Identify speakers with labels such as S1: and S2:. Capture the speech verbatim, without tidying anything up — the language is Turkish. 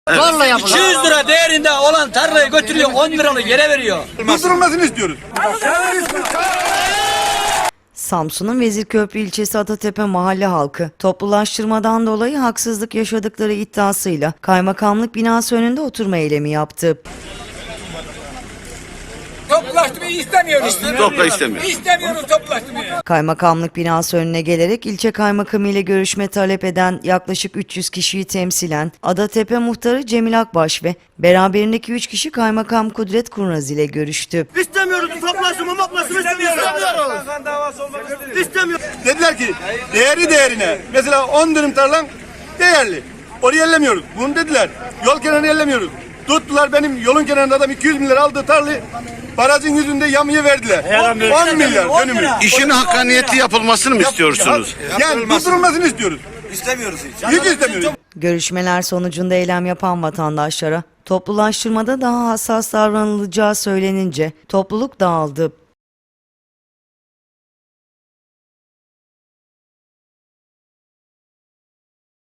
S1: Zorla yapılıyor.
S2: iki yüz lira değerinde olan tarlayı götürüyor, on liralık yere veriyor.
S3: Durdurulmasını istiyoruz.
S4: Samsun'un Vezirköprü ilçesi Atatepe mahalle halkı toplulaştırmadan dolayı haksızlık yaşadıkları iddiasıyla kaymakamlık binası önünde oturma eylemi yaptı.
S5: Toplaştırmayı istemiyoruz.
S6: Topla istemiyor.
S5: İstemiyoruz toplaştırmayı.
S4: Kaymakamlık binası önüne gelerek ilçe kaymakamı ile görüşme talep eden yaklaşık üç yüz kişiyi temsilen Adatepe muhtarı Cemil Akbaş ve beraberindeki üç kişi kaymakam Kudret Kurnaz ile görüştü.
S3: İstemiyoruz. Toplaşımı moplaşımı istemiyoruz. İstemiyoruz. Dediler ki değeri değerine. Mesela on dönüm tarlan değerli. Orayı ellemiyoruz. Bunu dediler. Yol kenarını ellemiyoruz. Tuttular benim yolun kenarında adam iki yüz bin lira aldığı tarlayı barajın yüzünde yamuya verdiler. on milyar dönümü.
S6: İşin hakkaniyetli yapılmasını mı istiyorsunuz?
S3: Yani durdurulmasını istiyoruz.
S6: İstemiyoruz hiç.
S3: Hiç istemiyoruz.
S4: Görüşmeler sonucunda eylem yapan vatandaşlara toplulaştırmada daha hassas davranılacağı söylenince topluluk dağıldı.